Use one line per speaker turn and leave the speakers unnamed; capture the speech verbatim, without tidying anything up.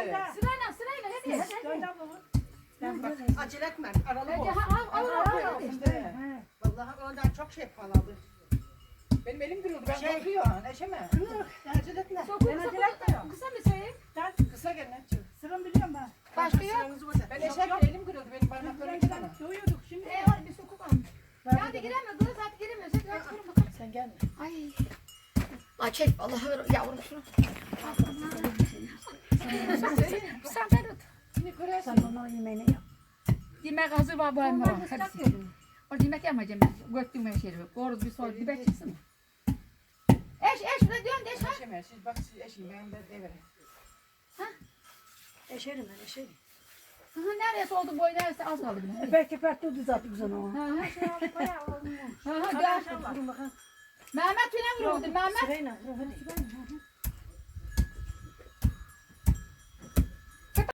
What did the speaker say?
Sırayla sırayla hadi. hadi.
Bak, acele etme. Aralık
Hadi
olsun.
ha al al al. al.
İşte. Vallahi ondan çok şey paladı.
Benim elim kırıldı. Ben
Şey-
korkuyorum. Neşeme.
Kınır. Acele etme.
Çok kısa kısa kısa mı söyleyeyim?
Kısa gel Neşe.
Sıram biliyorum ben.
Başka yok.
Sıranızı burada.
Ben
Yok,
eşek
yok.
elim kırıldı. Benim parmaklarım iki tane.
Doyuyorduk şimdi.
Ee var bir sokak almış. Ya hadi giremiyor kız hadi giremiyor. Hadi hadi çıkarın bakalım.
Sen gelme.
Ay. Ay çek vallahi ver yavrum şunu. Sen ver tut.
Şimdi kırarsın.
Sen onların yemeğini yap.
Yemek hazır var bu hem var. Hadi. Orada yemek yapmayacağım ben. Göktüm her şeyi. Koruz bir soy bir bek çıksın. Eş eş ne diyorsun eş ha?
Neşeme. Siz bak siz eşim. Ben de deverim.
Eşerim ben eşerim.
Aha neresi oldu boy neresi az kaldı bile.
Eper keper tuttu zaten güzel o.
Ha ha. Ha ha
Hadi
gel.
aşağı vurun bakalım.
Mehmet yine vuruldu Mehmet.
Sırayla vurun hadi.